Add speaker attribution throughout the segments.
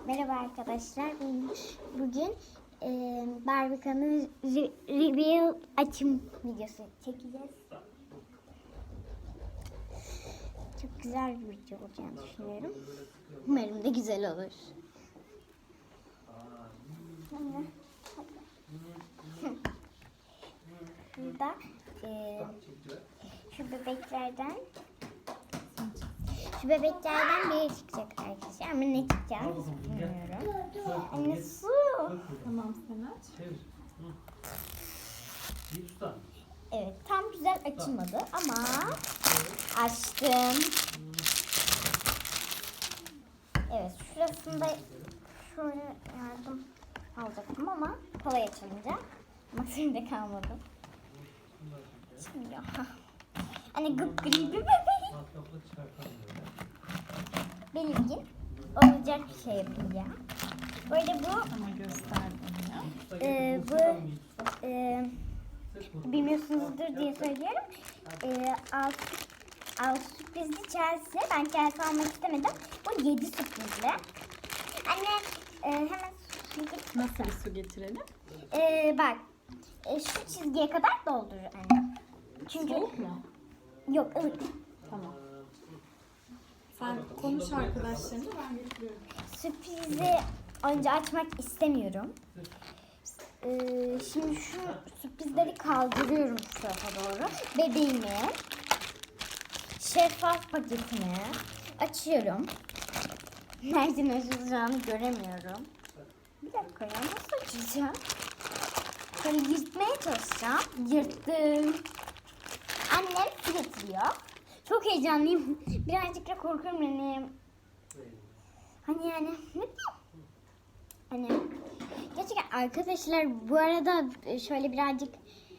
Speaker 1: Merhaba arkadaşlar. Bugün Barbie'nin reveal açım videosu çekeceğiz. Çok güzel bir video olacağını düşünüyorum. Umarım da güzel olur. Burada şu bebeklerden biri çıkacak arkadaşlar. Ama ne çıkacağını bilmiyorum. Anne su.
Speaker 2: Tamam sen aç.
Speaker 1: Evet, tam güzel açılmadı ama açtım. Evet, şurasında şöyle yardım alacaktım ama kolay açılınca maksimde kalmadım. Şimdi ya. Hani gıpgri bir bebek. Belirgin olacak bir şey yapacağım. Böyle bu
Speaker 2: Ama gösterdim ya.
Speaker 1: Bilmiyorsunuzdur diye söylüyorum. Alt sürprizli Chelsea. Ben Chelsea almak istemedim. Bu 7 sürprizli. Anne hemen
Speaker 2: Nasıl bir su getirelim?
Speaker 1: bak şu çizgiye kadar doldurur anne. Çünkü
Speaker 2: Soğuk mu?
Speaker 1: yok ılık.
Speaker 2: Tamam. Sen konuş arkadaşlarınla, ben getiriyorum.
Speaker 1: Sürprizi önce açmak istemiyorum. Şimdi şu sürprizleri kaldırıyorum şu tarafa doğru. Bebeğimi, şeffaf paketini açıyorum. Nereden açılacağını göremiyorum. Bir dakika ya, nasıl açacağım? Şöyle yırtmaya çalışacağım. Yırttım. Annem su getiriyor. Çok heyecanlıyım. Birazcık da korkuyorum yani. Hani yani ne bileyim. Hani gerçekten arkadaşlar bu arada şöyle birazcık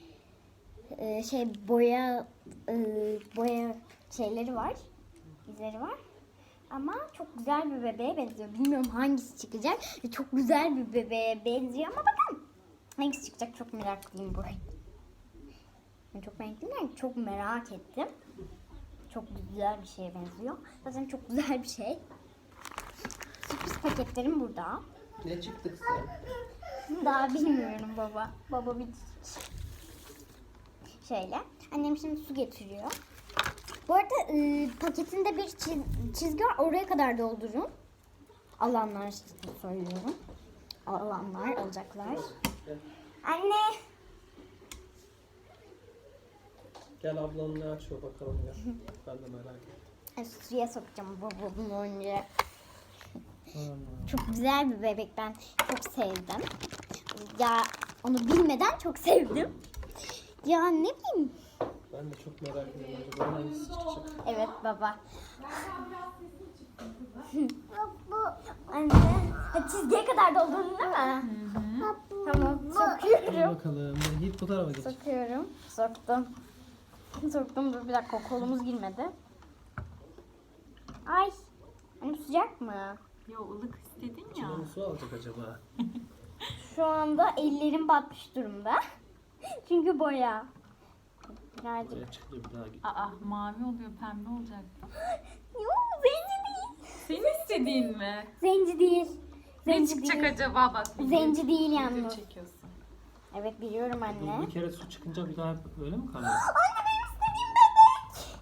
Speaker 1: boya şeyleri var. İzleri var. Ama çok güzel bir bebeğe benziyor. Bilmiyorum hangisi çıkacak. Çok güzel bir bebeğe benziyor ama bakın. Hangisi çıkacak çok meraklıyım bu. Ben çok meraklıyım, çok merak ettim. Çok güzel bir şeye benziyor. Zaten çok güzel bir şey. Sürpriz paketlerim burada.
Speaker 3: Ne çıktı sen?
Speaker 1: Daha bilmiyorum baba. Baba bir şöyle. Annem şimdi su getiriyor. Bu arada paketinde bir çizgi var. Oraya kadar doldurun. Alanlar için söylüyorum. Alanlar alacaklar. Anne.
Speaker 3: Gel ablanın ne açıyor bakalım ya. Ben de merak ettim.
Speaker 1: Suya sokacağım baba bunu önce. Çok güzel bir bebek, ben çok sevdim. Ya onu bilmeden çok sevdim. Ya ne bileyim.
Speaker 3: Ben de çok merak ediyorum. Acaba hangisi çıkacak?
Speaker 1: Evet baba. Anne, çizgiye kadar doldurdun değil mi? Tamam,
Speaker 3: Hadi
Speaker 1: sokuyorum.
Speaker 3: bakalım. Git bu tarafa geç.
Speaker 1: Sokuyorum. Soktum. Soktum, dur bir dakika, kolumuz girmedi. Ay. Anne sıcak mı?
Speaker 2: Ya ılık istedin ya.
Speaker 3: Kim su alacak acaba?
Speaker 1: Şu anda ellerim batmış durumda. Çünkü boya. Birazcık.
Speaker 3: Buraya çıkıyor bir daha git.
Speaker 2: Aa, mavi oluyor, pembe olacak.
Speaker 1: Yok, zenci değil.
Speaker 2: Senin istediğin mi?
Speaker 1: Zenci değil.
Speaker 2: Ne
Speaker 1: Zenci
Speaker 2: çıkacak
Speaker 1: değil.
Speaker 2: acaba, bak.
Speaker 1: Zenci değil
Speaker 2: Video
Speaker 1: yalnız.
Speaker 2: çekiyorsun.
Speaker 1: Evet biliyorum anne.
Speaker 3: Bir kere su çıkınca bir daha öyle mi kalıyor?
Speaker 1: Anne benim istediğim bebek.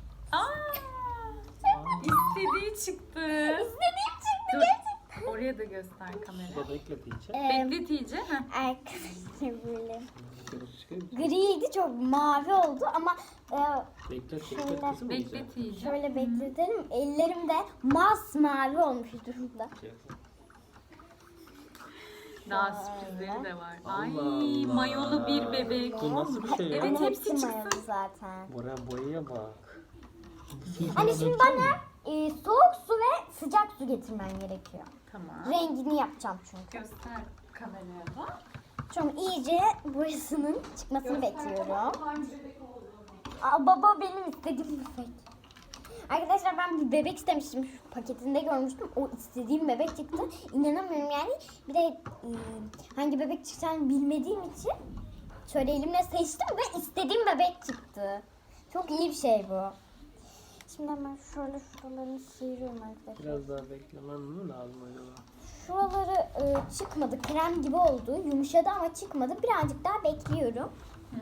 Speaker 2: İstediği çıktı.
Speaker 1: İstediğim çıktı
Speaker 2: Dur.
Speaker 1: gerçekten.
Speaker 2: Oraya da göster kamera.
Speaker 3: Burada bekletince.
Speaker 2: Beklet iyice.
Speaker 1: Arkadaşlar böyle.
Speaker 3: Çıkıyor.
Speaker 1: Griydi, çok mavi oldu ama
Speaker 3: Beklet
Speaker 1: Şöyle.
Speaker 3: beklet kızım.
Speaker 2: Beklet iyice.
Speaker 1: şöyle bekletelim. Ellerim de masmavi olmuş durumda.
Speaker 2: Daha sürprizleri de var.
Speaker 3: Allah
Speaker 2: Ay,
Speaker 3: Allah.
Speaker 2: mayolu bir bebek.
Speaker 3: Bu nasıl bir şey ya?
Speaker 2: Evet,
Speaker 1: Anne,
Speaker 2: hepsi çıksın.
Speaker 1: mayalı zaten.
Speaker 3: Buraya boyaya bak.
Speaker 1: Anne şimdi bana soğuk su ve sıcak su getirmen gerekiyor.
Speaker 2: Tamam.
Speaker 1: Rengini yapacağım çünkü.
Speaker 2: Göster kameraya da.
Speaker 1: Şimdi iyice burasının çıkmasını bekliyorum. Aa, baba benim istediğim bebek. Arkadaşlar ben bir bebek istemiştim. Şu paketinde görmüştüm. O istediğim bebek çıktı. İnanamıyorum yani. Bir de hangi bebek çıkacağını bilmediğim için şöyle elimle seçtim ve istediğim bebek çıktı. Çok iyi bir şey bu. Şimdi hemen şöyle şuralarını sıyırıyorum arkadaşlar.
Speaker 3: Biraz daha beklemem mi lazım acaba?
Speaker 1: Şuraları çıkmadı. Krem gibi oldu. Yumuşadı ama çıkmadı. Birazcık daha bekliyorum.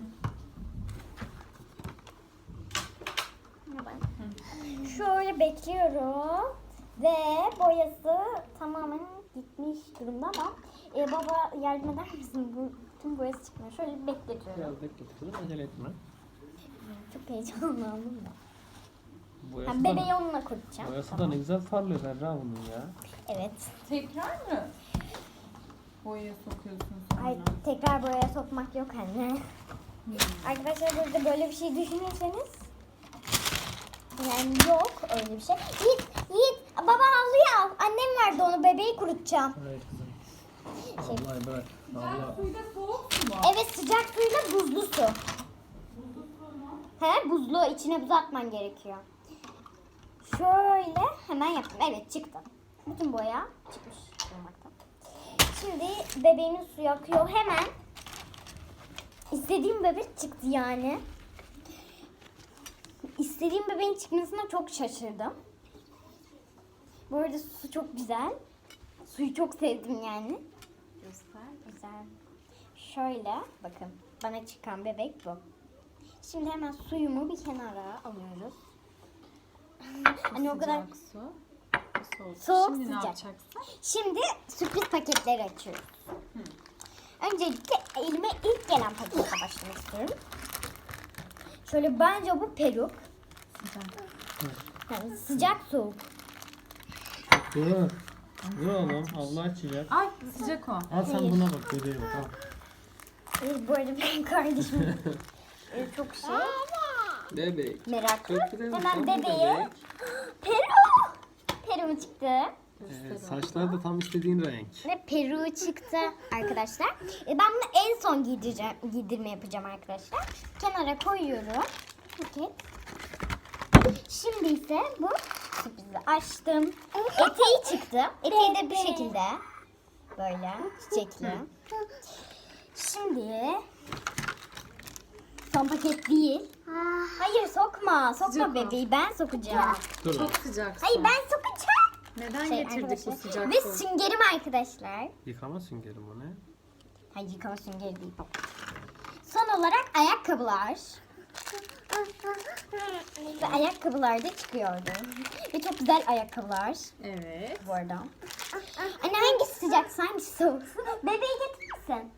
Speaker 1: Şöyle bekliyorum. Ve boyası tamamen gitmiş durumda ama baba yardım eder misin? Bu tüm boyası çıkmıyor. Şöyle bir bekletiyorum.
Speaker 3: Biraz bekle kızım, acele etme.
Speaker 1: Çok heyecanlandım da.
Speaker 3: Boyası
Speaker 1: Yani
Speaker 3: da,
Speaker 1: bebeği onunla kurutacağım.
Speaker 3: boyası da ne güzel parlıyor Berra bunun ya.
Speaker 1: Evet.
Speaker 2: Tekrar mı? Boyaya sokuyorsun sonra.
Speaker 1: Ay, tekrar boyaya sokmak yok anne. Arkadaşlar burada böyle bir şey düşünürseniz yani yok öyle bir şey. Yiğit baba havluyu al. Annem verdi onu, bebeği kurutacağım.
Speaker 3: Hayır kızım. Vallahi bırak. Vallahi.
Speaker 2: Suyda soğuk mu?
Speaker 1: Evet, sıcak suyla buzlu su. He, buzlu, içine buz atman gerekiyor. Şöyle hemen yaptım. Evet, çıktı. Bütün boya çıkmış olmakta. Şimdi bebeğimin suyu akıyor hemen. İstediğim bebek çıktı yani. İstediğim bebeğin çıkmasına çok şaşırdım. Bu arada su çok güzel. Suyu çok sevdim yani.
Speaker 2: Göster.
Speaker 1: Güzel. Şöyle bakın, bana çıkan bebek bu. Şimdi hemen suyumu bir kenara alıyoruz. Hani o kadar
Speaker 2: Sıcak su. Soğuk.
Speaker 1: Soğuk,
Speaker 2: Şimdi ne
Speaker 1: sıcak.
Speaker 2: yapacaksın?
Speaker 1: Şimdi sürpriz paketleri açıyoruz. Öncelikle elime ilk gelen paketle başlamak istiyorum. Şöyle, bence bu peruk.
Speaker 2: Sıcak.
Speaker 1: Yani sıcak soğuk.
Speaker 3: Dur. Dur oğlum, Allah açacak.
Speaker 2: Ay sıcak o.
Speaker 3: Al sen
Speaker 1: Hayır.
Speaker 3: buna bak bebeğe bak. Al.
Speaker 1: Bu arada benim kardeşim çok şey
Speaker 3: Bebek.
Speaker 1: meraklı.
Speaker 3: Çok güzel.
Speaker 1: Hemen
Speaker 3: Tam bir
Speaker 1: bebeğe
Speaker 3: bebek.
Speaker 1: Peru çıktı.
Speaker 3: Saçlar da tam istediğin renk.
Speaker 1: Ve peruğu çıktı arkadaşlar. Ben bunu en son giydirme yapacağım arkadaşlar. Kenara koyuyorum. Paket. Şimdi ise bu sürprizi açtım. Eteği çıktı. Eteği de bu şekilde. Böyle çiçekli. Şimdi son paket değil. Hayır, sokma. Sokma
Speaker 2: Sıcak o.
Speaker 1: bebeği. Ben sokacağım.
Speaker 3: Dur.
Speaker 2: Çok sıcak su.
Speaker 1: Hayır, ben sokacağım.
Speaker 2: Neden getirdik bu
Speaker 1: arkadaşlar.
Speaker 2: sıcak
Speaker 1: Ve
Speaker 2: su?
Speaker 1: süngerim arkadaşlar.
Speaker 3: Yıkama süngerim o ne?
Speaker 1: Hayır, yıkama süngeri değil. Son olarak ayakkabılar. Ve ayakkabılar da çıkıyordu. Ve çok güzel ayakkabılar
Speaker 2: Evet.
Speaker 1: bu arada. Anne, hangisi sıcak, hangisi soğuk? Bebeği getirirsin.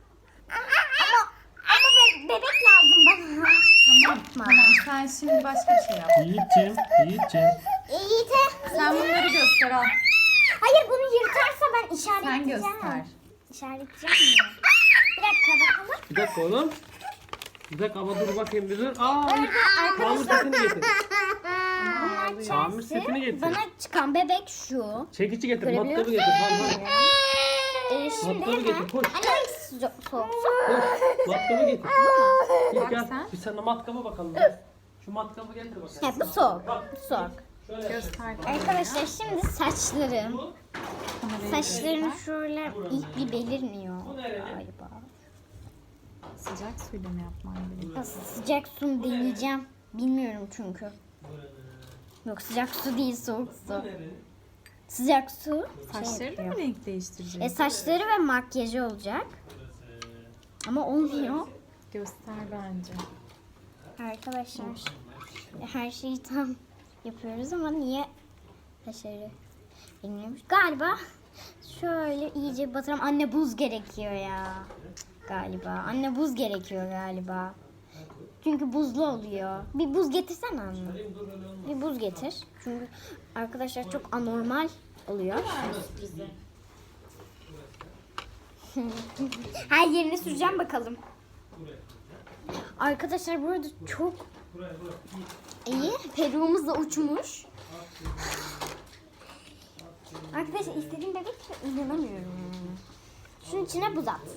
Speaker 1: Ama bebek lazım bana.
Speaker 2: Tamam sen şimdi başka bir şey yap.
Speaker 3: Yiğit'ciğim, Yiğit'ciğim.
Speaker 1: İyi de.
Speaker 2: Sen bunları göster al.
Speaker 1: Hayır, bunu yırtarsa ben
Speaker 2: Sen
Speaker 1: işaretleyeceğim.
Speaker 2: göster.
Speaker 1: İşaretleyeceğim mi? Bir dakika bakalım.
Speaker 3: Bir dakika oğlum. Bir dakika ama dur bakayım bir dur. Aa, tamir setini getir. Tamir setini getir.
Speaker 1: Bana çıkan bebek şu.
Speaker 3: Çekici getir,
Speaker 1: Görebiliyor
Speaker 3: matkabı getir. Tamam,
Speaker 1: Şimdi
Speaker 3: Matkabı
Speaker 1: hemen.
Speaker 3: getir, koş.
Speaker 1: Anne, hangisi soğuk?
Speaker 3: koş. Matkabı getir. Git
Speaker 2: Bak
Speaker 3: gel.
Speaker 2: sen.
Speaker 3: Bir sana matkabı bakalım. Gel. Şu matkabı getir bakalım.
Speaker 1: Evet, bu soğuk. Bu soğuk.
Speaker 3: Şöyle yap.
Speaker 2: Göster.
Speaker 1: Arkadaşlar şimdi saçlarım.
Speaker 2: Kamerayı
Speaker 1: Saçlarım
Speaker 2: göster.
Speaker 1: şöyle ilk bir belirmiyor galiba.
Speaker 2: Sıcak suyla mı yapman gerekiyor?
Speaker 1: Ya, sıcak su deneyeceğim. Bilmiyorum çünkü. Yok, sıcak su değil, soğuk su. Sıcak su.
Speaker 2: Saçları da mı renk değiştirecek?
Speaker 1: Saçları ve makyajı olacak. Ama olmuyor.
Speaker 2: Göster bence.
Speaker 1: Arkadaşlar her şeyi tam yapıyoruz ama niye başarı bilmiyormuş. Galiba şöyle iyice batıralım. Anne, buz gerekiyor ya. Galiba. Anne, buz gerekiyor galiba. Çünkü buzlu oluyor. Bir buz getirsene anne. Bir buz getir. Çünkü arkadaşlar çok anormal oluyor. Her yerine süreceğim bakalım. Arkadaşlar burada çok iyi. Peruğumuz da uçmuş. Arkadaşlar istediğim bebek inanamıyorum yani. Şunun içine buz at.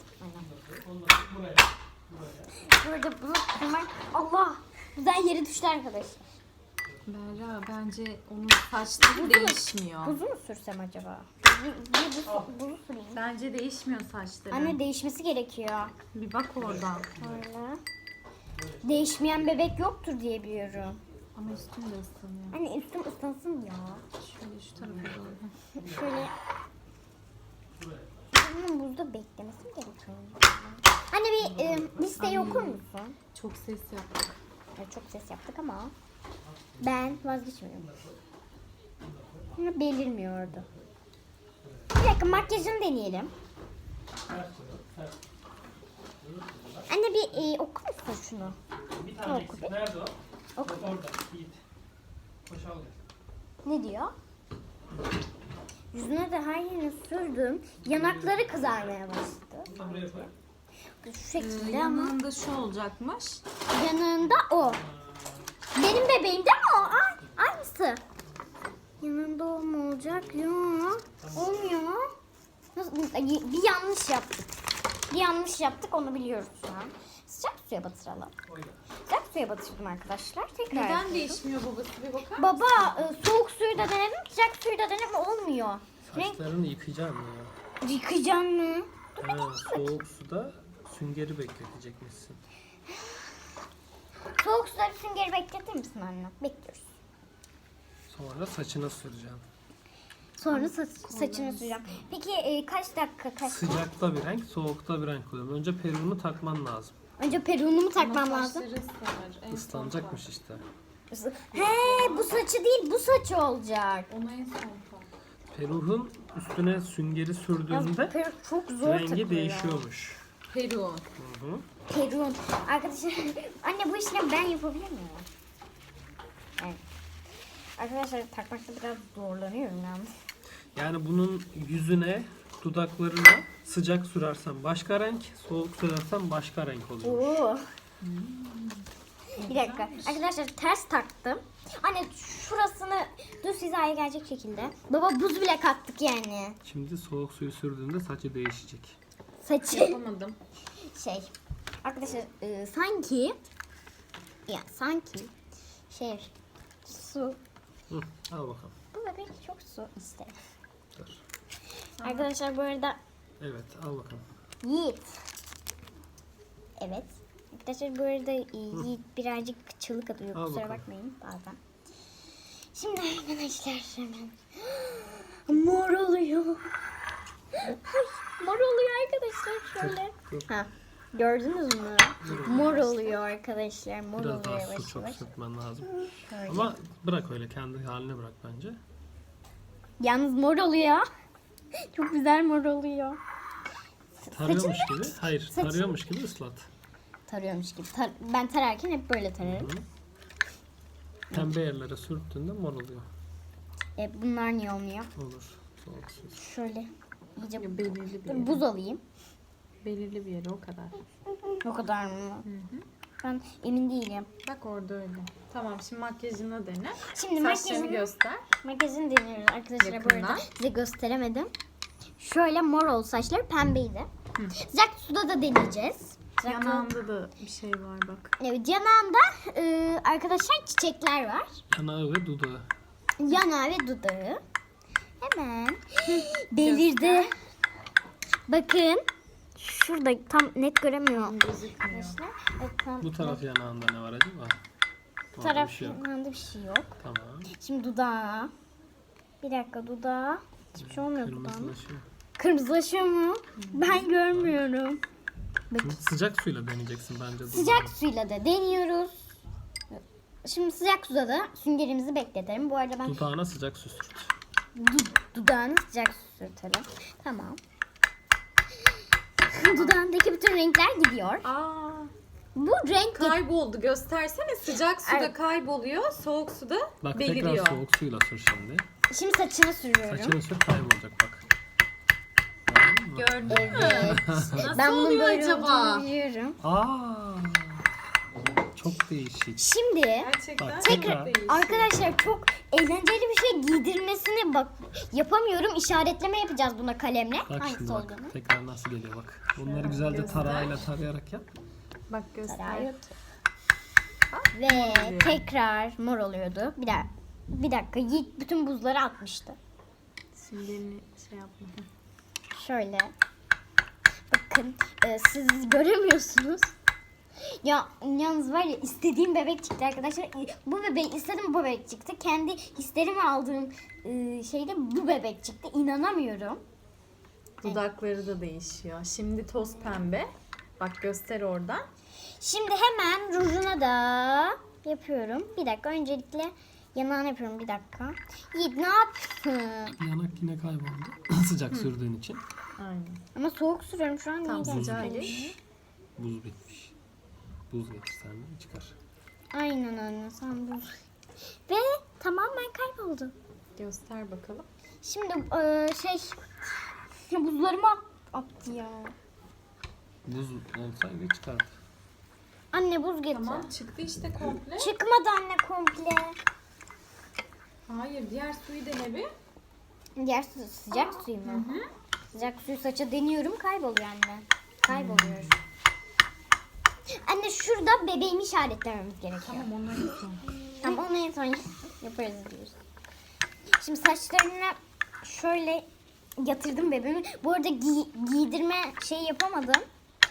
Speaker 1: Burada buz atmak. Allah! Güzel yere düştü arkadaşlar.
Speaker 2: Berra bence onun saçları değişmiyor.
Speaker 1: Buzu mu sürsem acaba? Buzu süreyim.
Speaker 2: Bence değişmiyor saçları.
Speaker 1: Anne, değişmesi gerekiyor.
Speaker 2: Bir bak oradan.
Speaker 1: Öyle. Değişmeyen bebek yoktur diye biliyorum.
Speaker 2: Ama üstün de ıslanıyor.
Speaker 1: Anne, üstüm ıslansın ya.
Speaker 2: Şöyle şu tarafa doğru.
Speaker 1: Şöyle. buzda beklemesi mi gerekiyor? Anne bir listeyi okur musun?
Speaker 2: Çok ses yaptık.
Speaker 1: Evet, çok ses yaptık ama ben vazgeçmiyorum. Belirmiyordu. Bir dakika, makyajını deneyelim. Anne bir okur musun şunu?
Speaker 3: Bir tane
Speaker 1: Oku
Speaker 3: eksik.
Speaker 1: bir.
Speaker 3: Nerede o?
Speaker 1: Oku.
Speaker 3: Orada. Yiğit. Koş al.
Speaker 1: Ne diyor? Yüzüne de her yerine sürdüm. Yanakları kızarmaya başladı.
Speaker 3: Bunu da buraya koy.
Speaker 1: Şu şekilde ama
Speaker 2: Yanında şu olacakmış.
Speaker 1: yanında o. Benim bebeğim değil mi o? Ay, aynısı. Yanında o mu olacak? Yok. Olmuyor. Nasıl? Bir yanlış yaptık. Bir yanlış yaptık, onu biliyoruz şu an. Sıcak suya batıralım. Sıcak suya batırdım arkadaşlar. Tekrar
Speaker 2: Neden
Speaker 1: yapıyorum.
Speaker 2: değişmiyor babası bir bakar mısın?
Speaker 1: Baba soğuk suyu da denedim, sıcak suyu da denedim, olmuyor. Renk
Speaker 3: Saçlarını yıkayacağım ya.
Speaker 1: yıkayacaksın mı?
Speaker 3: Soğuk suda süngeri bekletecekmişsin.
Speaker 1: Soğuk suda bir süngeri bekletir misin anne? Bekliyoruz.
Speaker 3: Sonra saçına süreceğim.
Speaker 1: Sonra saçını süreceğim. Peki kaç dakika kaç?
Speaker 3: Sıcakta bir renk, soğukta bir renk oluyor. Önce peruğunu takman lazım.
Speaker 1: Önce peruğunu mu takmam
Speaker 2: Ama
Speaker 1: lazım?
Speaker 2: saçları ıslanır. En son
Speaker 3: Islanacakmış işte.
Speaker 1: He, bu saçı değil, bu saçı olacak.
Speaker 2: tak. Ona en son tak.
Speaker 3: Peruğun üstüne süngeri sürdüğünde
Speaker 1: Peruk çok zor
Speaker 3: rengi
Speaker 1: takılıyor.
Speaker 3: değişiyormuş.
Speaker 2: Peru.
Speaker 3: Hı hı.
Speaker 1: Peruğun. Arkadaşlar, anne bu işlemi ben yapabilir miyim? Evet. Arkadaşlar takmakta biraz zorlanıyorum yalnız.
Speaker 3: Yani bunun yüzüne, dudaklarına sıcak sürersen başka renk, soğuk sürersen başka renk oluyor.
Speaker 1: Oo. Bir dakika. Arkadaşlar ters taktım. Anne şurasını düz hizaya gelecek şekilde. Baba buz bile kattık yani.
Speaker 3: Şimdi soğuk suyu sürdüğünde saçı değişecek.
Speaker 1: Saçı
Speaker 2: Yapamadım.
Speaker 1: şey. Arkadaşlar sanki su.
Speaker 3: Hı, al bakalım.
Speaker 1: Bu bebek çok su ister.
Speaker 3: Dur.
Speaker 1: Arkadaşlar bu arada
Speaker 3: Evet, al bakalım.
Speaker 1: Yiğit. Evet. Arkadaşlar bu arada Yiğit birazcık çığlık atıyor.
Speaker 3: Al
Speaker 1: Kusura
Speaker 3: bakalım.
Speaker 1: bakmayın bazen. Şimdi arkadaşlar hemen mor oluyor. Ay, mor oluyor arkadaşlar şöyle.
Speaker 3: Dur.
Speaker 1: Ha, gördünüz mü? Mor oluyor arkadaşlar. Mor
Speaker 3: Biraz
Speaker 1: oluyor
Speaker 3: daha
Speaker 1: yavaş
Speaker 3: su çok
Speaker 1: yavaş.
Speaker 3: sürtmen lazım.
Speaker 1: Şöyle.
Speaker 3: Ama bırak öyle, kendi haline bırak bence.
Speaker 1: Yalnız mor oluyor. Çok güzel mor oluyor.
Speaker 3: Tarıyormuş gibi. Hayır,
Speaker 1: saçını-
Speaker 3: tarıyormuş gibi ıslat.
Speaker 1: Tarıyormuş gibi. Ben tararken hep böyle tararım.
Speaker 3: Pembe yerlere sürttüğünde mor oluyor.
Speaker 1: Bunlar niye olmuyor?
Speaker 3: Olur. Soğuk su.
Speaker 1: Şöyle iyice
Speaker 2: Ya belirli bir
Speaker 1: Dur,
Speaker 2: yere.
Speaker 1: buz alayım.
Speaker 2: Belirli bir yere o kadar.
Speaker 1: O kadar mı? Ben emin değilim.
Speaker 2: Bak orada öyle. Tamam şimdi makyajını dene.
Speaker 1: Şimdi
Speaker 2: Saçlarını göster.
Speaker 1: makyajını deniyoruz arkadaşlar. Bu
Speaker 2: Yakından.
Speaker 1: arada size gösteremedim. Şöyle mor oldu saçları, pembeydi. Sıcak suda da deneyeceğiz. Sıcak suda-
Speaker 2: Yanağında da bir şey var bak.
Speaker 1: Evet, yanağında arkadaşlar çiçekler var.
Speaker 3: Yanağı ve dudağı.
Speaker 1: Yanağı ve dudağı. Hemen belirdi. Bakın. Şurada tam net göremiyorum.
Speaker 2: Gözükmüyor.
Speaker 1: Arkadaşlar. Evet, tam
Speaker 3: Bu taraf yanağında ne var acaba?
Speaker 1: bu
Speaker 3: Orada
Speaker 1: taraf
Speaker 3: bir şey yok.
Speaker 1: yanında bir şey yok.
Speaker 3: Tamam.
Speaker 1: Şimdi dudağı. Bir dakika, dudağı. Hiçbir şey olmuyor dudağında.
Speaker 3: Kırmızılaşıyor.
Speaker 1: Kırmızılaşıyor mu? Ben görmüyorum.
Speaker 3: Şimdi sıcak suyla deneyeceksin bence dudağı.
Speaker 1: Sıcak suyla da deniyoruz. Şimdi sıcak suda da süngerimizi bekletelim. Bu arada ben
Speaker 3: Dudağına sıcak su sürt.
Speaker 1: dudağını sıcak su sürtelim. Tamam. Dudağındaki bütün renkler gidiyor.
Speaker 2: Aa,
Speaker 1: Bu renk
Speaker 2: kayboldu. Göstersene. Sıcak suda
Speaker 1: Evet.
Speaker 2: kayboluyor. Soğuk suda
Speaker 3: Bak
Speaker 2: beliriyor.
Speaker 3: tekrar soğuk suyla sür şimdi.
Speaker 1: Şimdi saçını sürüyorum.
Speaker 3: Saçını sür, kaybolacak bak.
Speaker 2: Gördün mü?
Speaker 1: Evet.
Speaker 2: Nasıl
Speaker 1: Ben bunun
Speaker 2: oluyor
Speaker 1: böyle
Speaker 2: acaba?
Speaker 1: olduğunu biliyorum.
Speaker 3: Aa, çok değişik.
Speaker 1: Şimdi
Speaker 2: Gerçekten
Speaker 3: Bak,
Speaker 2: çok
Speaker 3: tekrar.
Speaker 2: değişik.
Speaker 1: arkadaşlar çok eğlenceli bir şey giydirmesini bak yapamıyorum. İşaretleme yapacağız buna kalemle.
Speaker 3: Bak
Speaker 1: Hangisi
Speaker 3: şimdi bak.
Speaker 1: olduğunu.
Speaker 3: Tekrar nasıl geliyor bak. Bunları güzelce
Speaker 2: göster.
Speaker 3: tarağıyla tarayarak yap.
Speaker 2: Bak göster.
Speaker 1: Tarayot. Ve tekrar mor oluyordu. Bir dakika Yiğit bütün buzları atmıştı.
Speaker 2: Süngerini şey yapma.
Speaker 1: Şöyle. Bakın siz göremiyorsunuz. Ya yalnız var ya, istediğim bebek çıktı arkadaşlar. Bu bebeği istedim, bu bebek çıktı. Kendi hislerimi aldığım şeyde bu bebek çıktı. İnanamıyorum.
Speaker 2: Dudakları da değişiyor. Şimdi toz pembe. Bak göster oradan.
Speaker 1: Şimdi hemen rujuna da yapıyorum. Bir dakika, öncelikle yanağını yapıyorum, bir dakika. Yiğit ne yaptın?
Speaker 3: Yanak yine kayboldu. Sıcak sürdüğün için.
Speaker 2: Aynen.
Speaker 1: Ama soğuk sürüyorum şu an.
Speaker 2: Tam
Speaker 1: niye
Speaker 2: sıcağı
Speaker 1: geldi?
Speaker 2: geç.
Speaker 3: Buz bitmiş. Buz getirsen de çıkar.
Speaker 1: Aynen anne, sen buz. Ve tamamen kayboldu.
Speaker 2: Göster bakalım.
Speaker 1: Şimdi ya buzlarımı attı ya.
Speaker 3: Buz olsaydı çıkardı.
Speaker 1: Anne buz getir.
Speaker 2: Tamam çıktı işte komple.
Speaker 1: Çıkmadı anne komple.
Speaker 2: Hayır diğer suyu dene bir.
Speaker 1: Diğer sıcak suyu mu? Sıcak suyu saça deniyorum, kayboluyor anne. Kayboluyor. Anne şurada bebeğimi işaretlememiz gerekiyor.
Speaker 2: Tamam onları yapalım.
Speaker 1: Tamam, onu en son yaparız diyoruz. Şimdi saçlarını şöyle yatırdım bebeğimi. Bu arada giydirme şeyi yapamadım.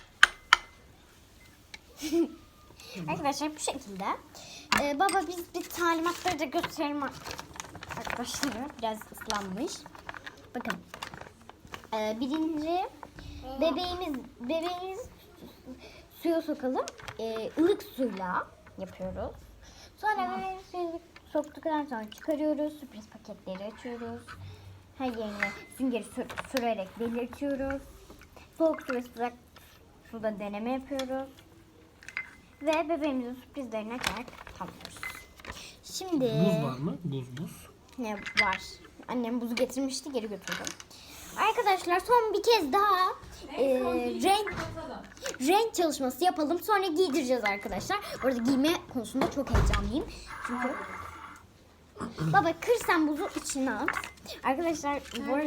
Speaker 1: Arkadaşlar bu şekilde. Baba biz bir talimatları da gösterelim arkadaşlar. Biraz ıslanmış. Bakın. Birinci bebeğimiz suya sokalım. Ilık suyla yapıyoruz. Sonra bebeğimiz suya soktuktan sonra çıkarıyoruz. Sürpriz paketleri açıyoruz. Her yerine süngeri sürerek belirtiyoruz. Soğuk su ve sıcak suda deneme yapıyoruz. Ve bebeğimizin sürprizlerini açarak tamamlıyoruz. Şimdi
Speaker 3: Buz var mı? Buz.
Speaker 1: ne var? Annem buzu getirmişti, geri götürdüm. Arkadaşlar son bir kez daha renk çalışması yapalım. Sonra giydireceğiz arkadaşlar. Bu arada giyme konusunda çok heyecanlıyım. Çünkü baba kır sen buzu içine at. Arkadaşlar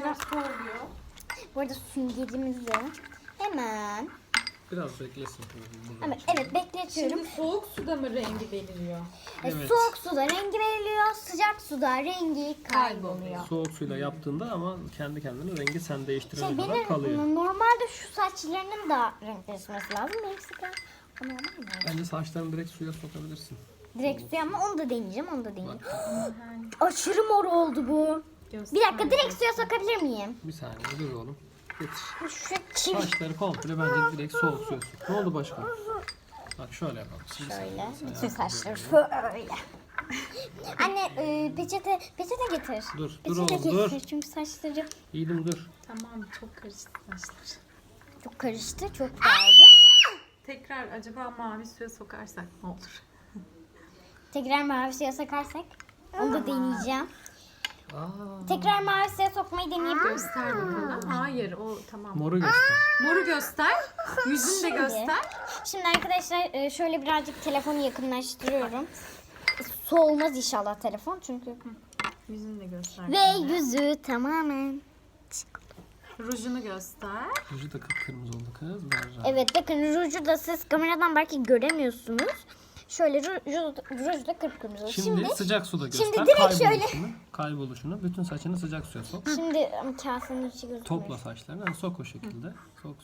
Speaker 1: bu arada süngerimizi hemen
Speaker 3: Biraz beklesin.
Speaker 1: evet bekletiyorum.
Speaker 2: Şimdi soğuk suda mı rengi beliriyor?
Speaker 3: Evet.
Speaker 1: Soğuk suda rengi veriliyor, sıcak suda rengi kayboluyor.
Speaker 3: Soğuk suyla yaptığında ama kendi kendine rengi sen değiştirene
Speaker 1: Şey,
Speaker 3: kadar kalıyor.
Speaker 1: normalde şu saçlarının da renk değişmesi lazım. Benim sıkı normal mi?
Speaker 3: Bence saçlarını direkt suya sokabilirsin.
Speaker 1: Direkt suya, ama onu da deneyeceğim,
Speaker 3: Bak
Speaker 1: Aşırı mor oldu bu.
Speaker 2: Göster.
Speaker 1: Bir dakika, direkt suya sokabilir miyim?
Speaker 3: bir saniye dur oğlum. Getir.
Speaker 1: Şu çivi.
Speaker 3: Saçları komple bence direkt soğuk suya sok. Ne oldu başka? Bak şöyle yapalım. Şimdi
Speaker 1: Şöyle,
Speaker 3: sen
Speaker 1: bütün
Speaker 3: yap.
Speaker 1: saçları şöyle. Anne peçete getir.
Speaker 3: Dur
Speaker 1: Peçete
Speaker 3: oğlum dur.
Speaker 1: getir çünkü saçları
Speaker 3: İyiydim dur.
Speaker 2: Tamam çok karıştı saçlar.
Speaker 1: çok karıştı, çok dağıldı.
Speaker 2: Tekrar acaba mavi suya sokarsak ne olur?
Speaker 1: Tekrar mavi suya sokarsak onu da deneyeceğim.
Speaker 3: Aa,
Speaker 1: Tekrar mavi suya sokmayı deneyebilir misin?
Speaker 2: Göster bakalım. Hayır o tamam.
Speaker 3: moru göster.
Speaker 2: Moru göster. Yüzünü de
Speaker 1: Şimdi.
Speaker 2: göster.
Speaker 1: Şimdi arkadaşlar şöyle birazcık telefonu yakınlaştırıyorum. Soğumaz inşallah telefon çünkü.
Speaker 2: Yüzünü de göster.
Speaker 1: Ve yüzü tamamen.
Speaker 2: Rujunu göster.
Speaker 3: Yüzü de kıpkırmızı oldu kız. Ver.
Speaker 1: Evet bakın, ruju da siz kameradan belki göremiyorsunuz. Şöyle ruj da kıpkırmızı.
Speaker 3: Şimdi sıcak suda göster.
Speaker 1: şimdi direkt
Speaker 3: Kayboluşunu. Bütün saçını sıcak suya sok.
Speaker 1: Şimdi kasenin içi gözükmüyor.
Speaker 3: Topla saçlarını. Yani sok o şekilde. Sok.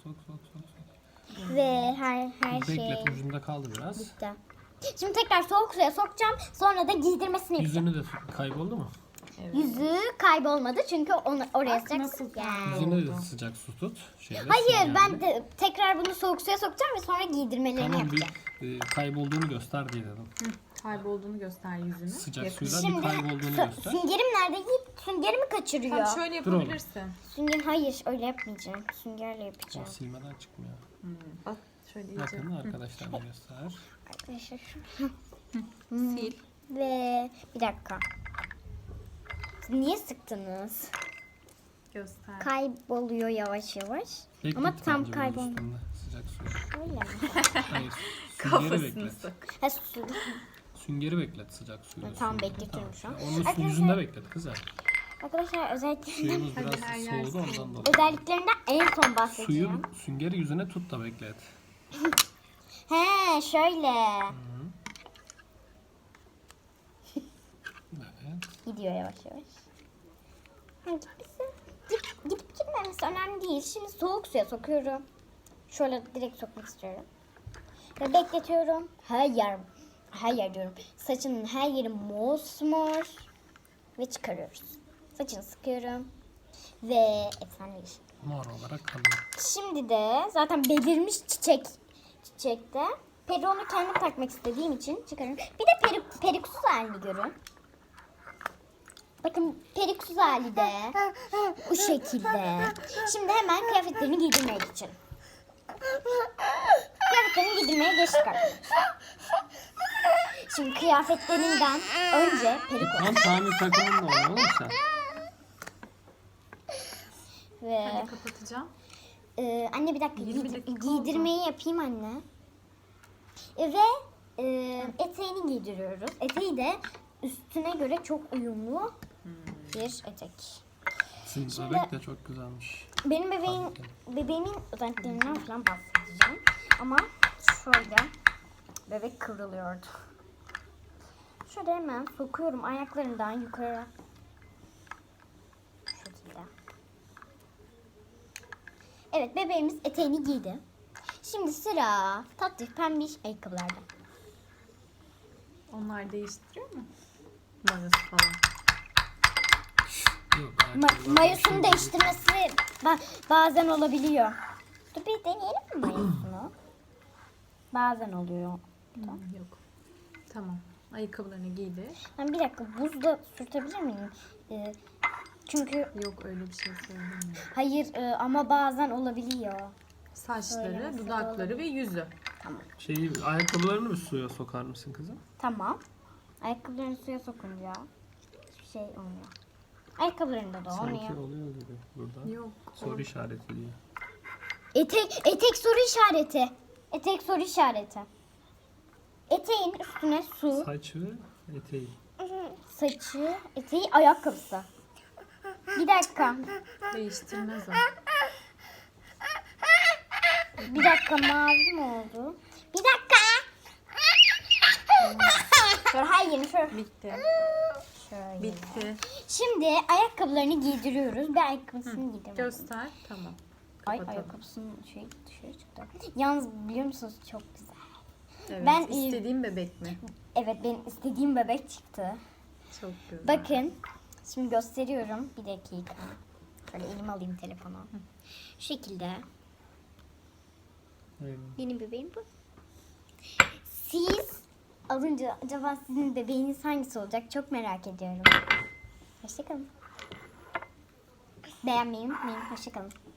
Speaker 1: Ve her şey
Speaker 3: Beklet ucunda kaldı biraz.
Speaker 1: bitti. Şimdi tekrar soğuk suya sokacağım. Sonra da giydirmesini yapacağım.
Speaker 3: Yüzünü de kayboldu mu?
Speaker 2: Evet.
Speaker 1: Yüzü kaybolmadı çünkü oraya sıcak
Speaker 2: nasıl
Speaker 1: su geldi.
Speaker 3: Yüzüne de sıcak su tut.
Speaker 1: Hayır, ben de tekrar bunu soğuk suya sokacağım ve sonra giydirmelerini
Speaker 3: Tamam
Speaker 1: yapacağım.
Speaker 3: kaybolduğunu göster diye dedim.
Speaker 2: Kaybolduğunu göster yüzünü.
Speaker 3: Sıcak
Speaker 2: Yakın.
Speaker 3: suyla bir kaybolduğunu göster.
Speaker 1: Süngerim nerede? Yiğit süngerimi kaçırıyor.
Speaker 2: Tamam şöyle
Speaker 3: Dur oğlum.
Speaker 2: yapabilirsin.
Speaker 1: Sünger, hayır öyle yapmayacağım. Süngerle
Speaker 3: O
Speaker 1: yapacağım.
Speaker 3: silmeden çıkmıyor.
Speaker 2: Bak şöyle iyice.
Speaker 3: Bakın arkadaşlar göster.
Speaker 1: Arkadaşlar
Speaker 2: Sil.
Speaker 1: ve bir dakika. Siz niye sıktınız?
Speaker 2: Göster.
Speaker 1: Kayboluyor yavaş yavaş.
Speaker 3: Beklet
Speaker 1: Ama tam
Speaker 3: bence bunun
Speaker 1: kaybolmadı.
Speaker 3: üstünde Sıcak suyu.
Speaker 1: Öyle mi?
Speaker 3: Hayır. Süngeri
Speaker 2: Kafasını
Speaker 3: beklet.
Speaker 2: sık.
Speaker 1: Ha, su.
Speaker 3: Süngeri beklet sıcak suyla.
Speaker 1: Tamam,
Speaker 3: süngeri.
Speaker 1: bekletiyorum şu an.
Speaker 3: Onun üstünün
Speaker 1: Arkadaşlar-
Speaker 3: yüzünde beklet kızım.
Speaker 1: Arkadaşlar özelliklerinden,
Speaker 3: Suyumuz
Speaker 2: Hadi
Speaker 3: biraz
Speaker 2: her yer
Speaker 3: soğudu
Speaker 2: soğudu.
Speaker 3: ondan dolayı.
Speaker 1: özelliklerinden en son bahsedeceğim.
Speaker 3: Süngeri yüzüne tut da beklet.
Speaker 1: He şöyle.
Speaker 3: Evet.
Speaker 1: Gidiyor yavaş yavaş. Ha, gidip gitmemesi önemli değil. Şimdi soğuk suya sokuyorum. Şöyle direkt sokmak istiyorum. Ve bekletiyorum. Her yer diyorum. Saçının her yeri mosmor. Ve çıkarıyoruz. Saçını sıkıyorum. Ve efsane bir şey.
Speaker 3: Mor olarak kalıyor.
Speaker 1: Şimdi de zaten belirmiş çiçekte. Peri onu kendim takmak istediğim için çıkarıyorum. Bir de periksuz halini görün. Bakın periksuz hali de bu şekilde. Şimdi hemen kıyafetlerini giydirmek için. Kıyafetlerini giydirmeye geçtik arkadaşlar. Şimdi kıyafetlerinden önce perik
Speaker 3: Tam Sami takımında oynuyor oğlum sen.
Speaker 1: ve
Speaker 2: Hadi kapatacağım.
Speaker 1: anne bir dakika,
Speaker 2: 20 dakika
Speaker 1: giydirmeyi yapayım anne. Ve eteğini giydiriyoruz. Eteği de üstüne göre çok uyumlu bir etek.
Speaker 3: Sizin bebek de çok güzelmiş.
Speaker 1: Benim bebeğimin özelliklerinden falan bahsedeceğim. Ama şöyle bebek kıvrılıyordu. Şöyle hemen sokuyorum ayaklarından yukarı. Şu şekilde. Evet, bebeğimiz eteğini giydi. Şimdi sıra tatlı pembiş ayakkabılarda.
Speaker 2: Onlar değiştiriyor mu? Mayası falan.
Speaker 3: Yok,
Speaker 1: Mayosunu değiştirmesi bazen olabiliyor. Dur bir deneyelim mi mayosunu? Bazen oluyor.
Speaker 2: Yok. Tamam. Ayakkabılarını giydi.
Speaker 1: Ben bir dakika buzda sürtebilir miyim? Çünkü
Speaker 2: Yok öyle bir şey söylemiyorum.
Speaker 1: hayır ama bazen olabiliyor.
Speaker 2: Saçları,
Speaker 1: Söylemesi de
Speaker 2: dudakları ve yüzü.
Speaker 3: Ayakkabılarını mı suya sokar mısın kızım?
Speaker 1: Tamam. Ayakkabılarını suya sokunca hiçbir şey olmuyor. Ayakkabılarında da
Speaker 3: Sanki
Speaker 1: olmuyor.
Speaker 3: oluyor gibi burada.
Speaker 2: Yok.
Speaker 3: Soru işareti diyor.
Speaker 1: Etek soru işareti. Etek soru işareti. Eteğin üstüne su,
Speaker 3: Saç ve eteği.
Speaker 1: saçı, eteği, ayakkabısı. Bir dakika.
Speaker 2: Değiştirmez o.
Speaker 1: Bir dakika, mavi mi oldu? Bir dakika. Şöyle hayır şöyle.
Speaker 2: Bitti.
Speaker 1: Şöyle.
Speaker 2: Bitti.
Speaker 1: Şimdi ayakkabılarını giydiriyoruz. Bir ayakkabısını giydirmek.
Speaker 2: Göster. Tamam.
Speaker 1: Ay
Speaker 2: Kapatalım.
Speaker 1: ayakkabısının dışarı çıktı. Yalnız biliyor musunuz çok güzel.
Speaker 2: Evet.
Speaker 1: Ben-
Speaker 2: istediğim bebek mi?
Speaker 1: Evet, benim istediğim bebek çıktı.
Speaker 2: Çok güzel.
Speaker 1: Bakın şimdi gösteriyorum. Bir dakika. Şöyle elime alayım telefonu. Şu şekilde.
Speaker 3: Aynen.
Speaker 1: Benim bebeğim bu. Siz alınca acaba sizin bebeğiniz hangisi olacak? Çok merak ediyorum. Hoşçakalın. Beğenmeyi unutmayın. Hoşçakalın.